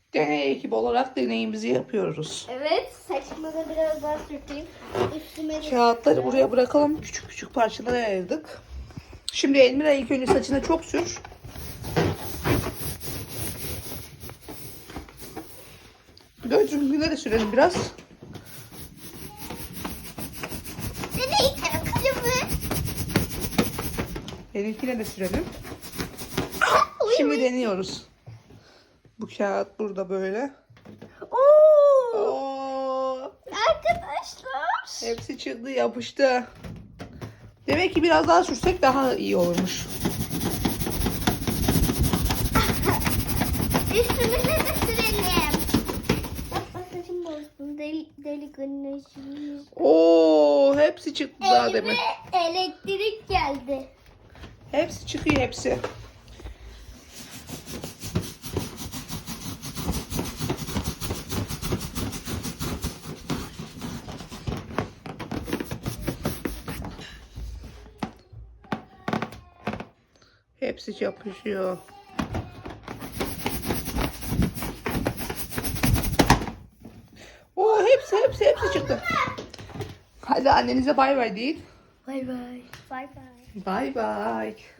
Deney ekibi olarak deneyimizi yapıyoruz. Evet, saçımı da biraz daha sürteyim. Üstüme de Kağıtları buraya bırakalım. Küçük küçük parçalara ayırdık. Şimdi Elmira ilk önce saçına çok sür. Gözlüğüne de sürelim biraz. Deney kalemi. Benimkine de sürelim. Şimdi deniyoruz. Bu kağıt burada böyle. Oo! Oo, Arkadaşlar. hepsi çıktı, yapıştı. Demek ki biraz daha sürsek daha iyi olurmuş. Üstümüze de sürelim. Bak saçım bozdu. Deli güneşimiz. Oo, hepsi çıktı daha demin. Elime elektrik geldi. Hepsi çıkıyor, hepsi. Hepsi yapışıyor. Oo, hepsi çıktı. Hadi annenize bay bay deyin. Bay bay. Bay bay. Bay bay.